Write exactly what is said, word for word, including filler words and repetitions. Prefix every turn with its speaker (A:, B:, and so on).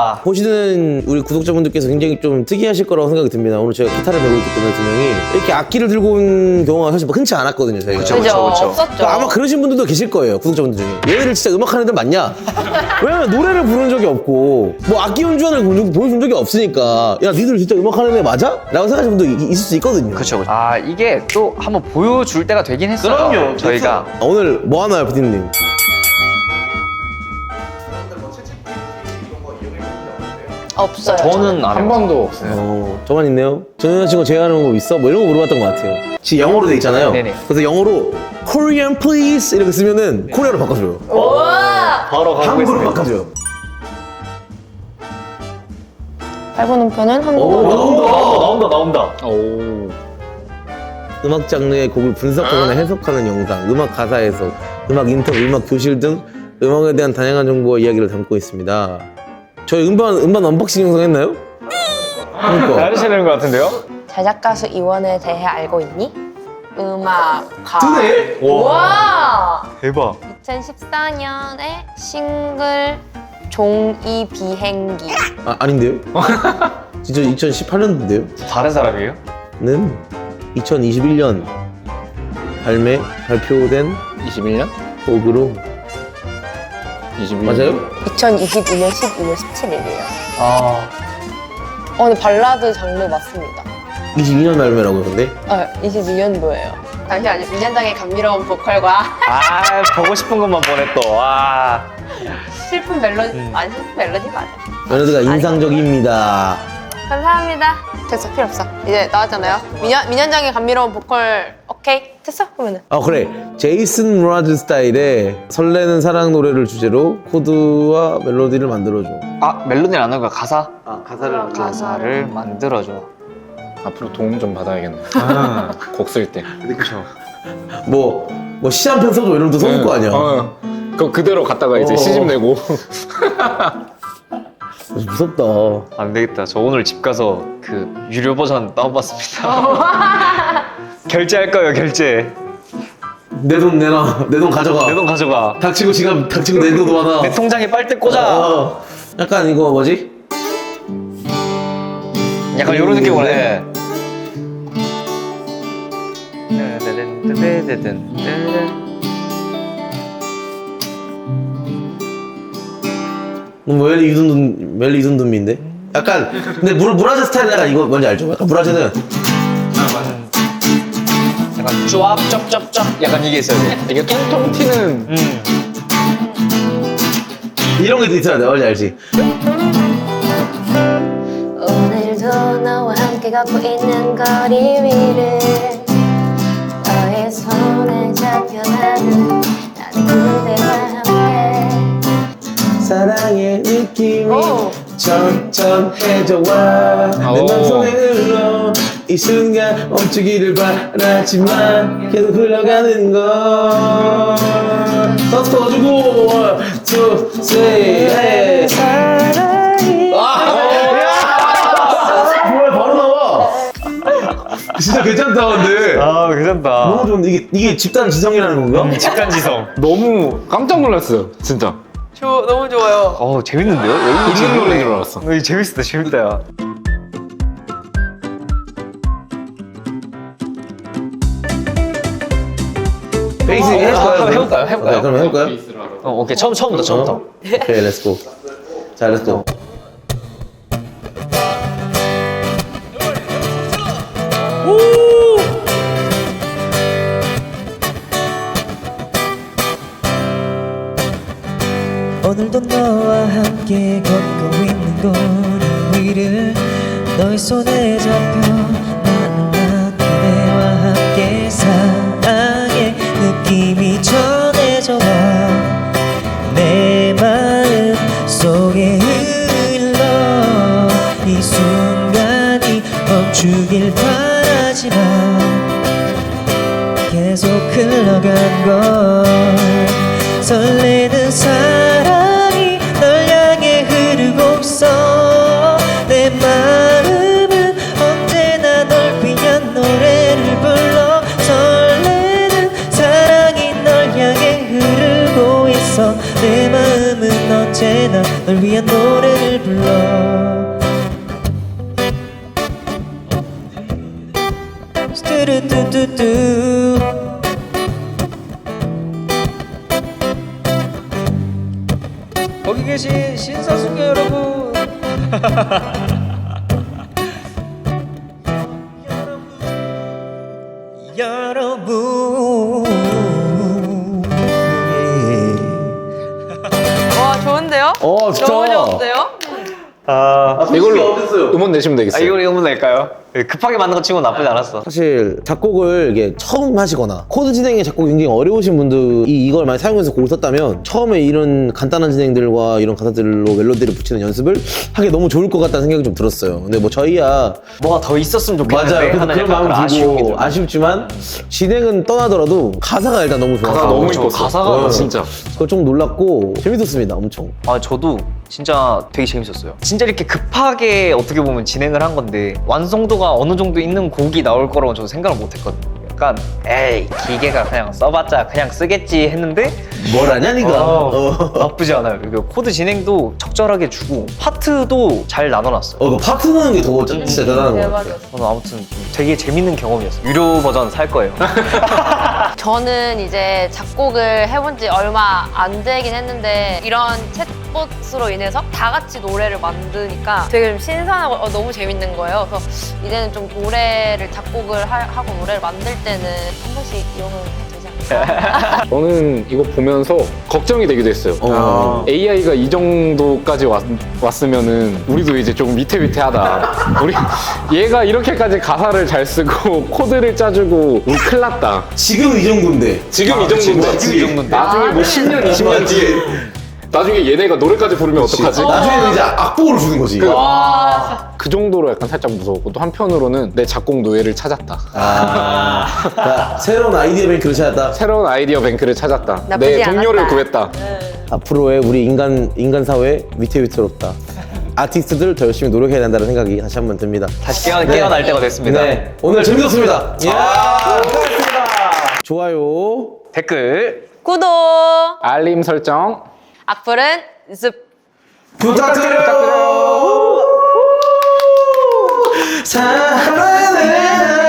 A: 와.
B: 보시는 우리 구독자분들께서 굉장히 좀 특이하실 거라고 생각이 듭니다. 오늘 제가 기타를 배우고 있기 때문에 두 명이 이렇게 악기를 들고 온 경우가 사실 뭐 흔치 않았거든요, 저희가.
A: 그쵸, 그쵸, 그쵸.
C: 없었죠.
B: 그러니까 아마 그러신 분들도 계실 거예요, 구독자분들 중에. 얘네들 진짜 음악하는 애들 맞냐? 왜냐면 노래를 부른 적이 없고 뭐 악기 연주하는 걸 보여준 적이 없으니까 야 니들 진짜 음악하는 애 맞아? 라고 생각하시는 분도 이- 있을 수 있거든요.
A: 그쵸, 그쵸. 아, 이게 또 한번 보여줄 때가 되긴 했어요.
B: 그럼요.
A: 저희가.
B: 아, 오늘 뭐 하나요, 피디님?
C: 없어요.
A: 저는 안
D: 한
A: 해봤어요.
D: 번도 없어요.
B: 어, 저만 있네요. 전 여자친구 제안하는 거 있어? 뭐 이런 거 물어봤던 것 같아요. 지금 영어로 돼 있잖아요.
A: 네네.
B: 그래서 영어로 Korean please 이렇게 쓰면은 코리아로 바꿔줘요.
C: 우와!
A: 바로 가고
B: 한국어로
A: 있습니다.
B: 바꿔줘요.
C: 밟은 편은
B: 오,
C: 한국어로.
B: 나온다.
A: 나온다, 나온다.
D: 오.
B: 음악 장르의 곡을 분석하거나 해석하는 영상, 음악 가사 해석, 음악 인터뷰, 음악 교실 등 음악에 대한 다양한 정보와 이야기를 담고 있습니다. 저희 음반 음반 언박싱 영상 했나요? 그러니까.
A: 잘하시는 것 같은데요?
C: 제작 가수 이원에 대해 알고 있니? 음악가.
B: 드네?
C: 우와!
A: 대박.
C: 이천십사 년에 싱글 종이 비행기.
B: 아 아닌데요? 진짜 이천십팔 년도인데요?
A: 다른 사람이에요?
B: 는 이천이십일 년 발매 발표된
D: 이십일 년?
B: 곡으로
D: 이십일 년.
B: 맞아요?
C: 이천이십이 년 십이 월 십칠 일이에요.
A: 아.
C: 어, 근데 발라드 장르 맞습니다.
B: 이십이 년 발매라고 근데
C: 아, 이십이 년도예요. 잠시만요. 민현장의 감미로운 보컬과
A: 아, 보고 싶은 것만 보내 또. 와.
C: 슬픈 멜로디. 아니, 슬픈 멜로디 맞아.
B: 멜로디가 인상적입니다.
C: 감사합니다. 됐어, 필요 없어. 이제 나왔잖아요. 민현, 민현장의 감미로운 보컬, 오케이? 됐어? 그러면은.
B: 아 그래 제이슨 무라즈 스타일의 설레는 사랑 노래를 주제로 코드와 멜로디를 만들어줘.
A: 아, 멜로디는 안 하고 가사?
B: 아 가사를
A: 가사를 만들어줘.
D: 앞으로 도움 좀 받아야겠네. 곡 쓸 때.
B: 그렇죠. 뭐뭐 시 한 편 써줘 이러면 또 써줄 거 아니야.
D: 어. 그거 그대로 갖다가 이제
B: 어.
D: 시집 내고.
B: 무섭다.
A: 안 되겠다. 저 오늘 집 가서 그 유료 버전 다운받습니다. 결제할 거예요, 결제.
B: 내 돈 내놔. 내 돈 가져가.
A: 내 돈 가져가.
B: 닥치고 지갑 닥치고 내 돈 와놔.
A: 내 통장에 빨대 꽂아.
B: 어. 약간 이거 뭐지?
A: 약간 이런 느낌으로 해.
B: 뭐 멜리 유둔 멜리 유둔돈미인데? 약간 근데 물 무라즈 스타일 약간 이거 뭔지 알죠? 약간 무라즈는
A: 약간 쫙, 쫙, 쫙, 쫙. 약간 이게 있어야 돼.
D: 이게 통통 튀는.
A: 음.
B: 이런 게 있어야 돼. 뭔지 알지?
C: 오늘도 너와 함께 걷고 있는 거리 위를 너의 손에 잡혀 나는 나는 그대와 함께.
B: 사랑의 느낌이
C: 오.
B: 천천해져와 내
D: 오.
B: 맘속에 흘러 이 순간 멈추기를 바라지만 계속 흘러가는 걸 서스 터주고 원, 투, 쓰리 사랑이 아! 뭐야 바로 나와 진짜 괜찮다 근데
A: 아, 괜찮다.
B: 너무 좋은데 이게, 이게 집단 지성이라는 건가?
A: 직관지성.
D: 너무 깜짝 놀랐어요. 진짜.
C: 저 너무 좋아요.
A: 어, 재밌는데요? 여기
D: 있는 노래인 줄 알았어.
A: 어, 재밌다, 재밌다. 야.
B: 베이스
A: 어,
B: 해볼까요?
A: 한번 해볼까요? 해볼까요?
B: 네, 그럼 해볼까요?
A: 어, 오케이. 처음, 처음부터, 처음부터.
B: 어? 오케이 렛츠고 자 렛츠고
E: 오늘도 너와 함께 걷고 있는 거리 위를 너의 손에 잡혀 나는 난 그대와 함께 사랑의 느낌이 전해져와 내 마음 속에 흘러 이 순간이 멈추길 바라지만 계속 흘러간 걸 설레는 사랑이 널 향해 흐르고 있어 내 마음은 언제나 널 위한 노래를 불러 설레는 사랑이 널 향해 흐르고 있어 내 마음은 언제나 널 위한 노래를 불러 거기 계신 신사숙녀 여러분 여러분
C: 와 좋은데요?
B: 어, 진짜.
C: 너무 좋은데요?
A: 아,
D: 이걸로 음원 내시면
A: 아
D: 되겠어요.
A: 이걸 이거 낼까요? 급하게 만든 거 치고 나쁘지 않았어.
B: 사실 작곡을 이게 처음 하시거나 코드 진행에 작곡이 굉장히 어려우신 분들이 이걸 많이 사용해서 곡을 썼다면 처음에 이런 간단한 진행들과 이런 가사들로 멜로디를 붙이는 연습을 하기 너무 좋을 것 같다는 생각이 좀 들었어요. 근데 뭐 저희야
A: 뭐가 더 있었으면 좋겠는데
B: 맞아요. 그래서
A: 하는
B: 그런
A: 약간
B: 마음이
A: 아쉬움이
B: 들고
A: 들어요.
B: 아쉽지만 진행은 떠나더라도 가사가 일단 너무 좋아서
D: 가사가 너무
A: 저
D: 이뻤어.
A: 가사가
B: 어.
A: 진짜.
B: 그거 좀 놀랐고 재밌었습니다. 엄청.
A: 아 저도 진짜 되게 재밌었어요. 진짜 이렇게 급하게 어떻게 보면 진행을 한 건데 완성도가 어느 정도 있는 곡이 나올 거라고 저는 생각을 못했거든요. 약간 에이 기계가 그냥 써봤자 그냥 쓰겠지 했는데
B: 뭘 하냐 니가.
A: 어,
B: 어.
A: 나쁘지 않아요. 그리고 코드 진행도 적절하게 주고 파트도 잘 나눠놨어요.
B: 어, 그 파트 넣는 게 더 진짜 대단한 것 같아요.
C: 대박이었어.
A: 저는 아무튼 좀 되게 재밌는 경험이었어요. 유료 버전 살 거예요.
C: 저는 이제 작곡을 해본 지 얼마 안 되긴 했는데 이런 챗봇으로 인해서 다 같이 노래를 만드니까 되게 좀 신선하고 어, 너무 재밌는 거예요. 그래서 이제는 좀 노래를 작곡을 하, 하고 노래를 만들 때는 한 번씩 이용을 해도 되지 않을까?
D: 저는 이거 보면서 걱정이 되기도 했어요.
B: 어.
D: 에이아이가 이 정도까지 왔, 왔으면은 우리도 이제 조금 위태위태하다. 우리 얘가 이렇게까지 가사를 잘 쓰고 코드를 짜주고 우리 큰일 났다.
B: 지금 이 정도인데.
D: 지금 이 정도인데
B: 지금 이 정도인데.
D: 나중에 뭐 십 년, 이십 년 뒤에 나중에 얘네가 노래까지 부르면 어떡하지?
B: 나중에는 이제 악보를 주는 거지.
D: 그 정도로 약간 살짝 무서웠고 또 한편으로는 내 작곡 노예를 찾았다.
B: 아, 자, 새로운 아이디어 뱅크를 찾았다.
D: 새로운 아이디어 뱅크를 찾았다.
C: 나쁘지
D: 내 동료를
C: 않았다.
D: 구했다.
B: 앞으로의 우리 인간 인간 사회 위태위태롭다. 아티스트들 더 열심히 노력해야 된다는 생각이 다시 한번 듭니다.
A: 다시 깨어, 깨어날 때가 됐습니다.
B: 네, 오늘 재밌었습니다. 이야, 수고하셨습니다. 좋아요.
A: 댓글
C: 구독!
D: 알림 설정.
C: 악플은 습!
B: 부탁드려요. 사랑해.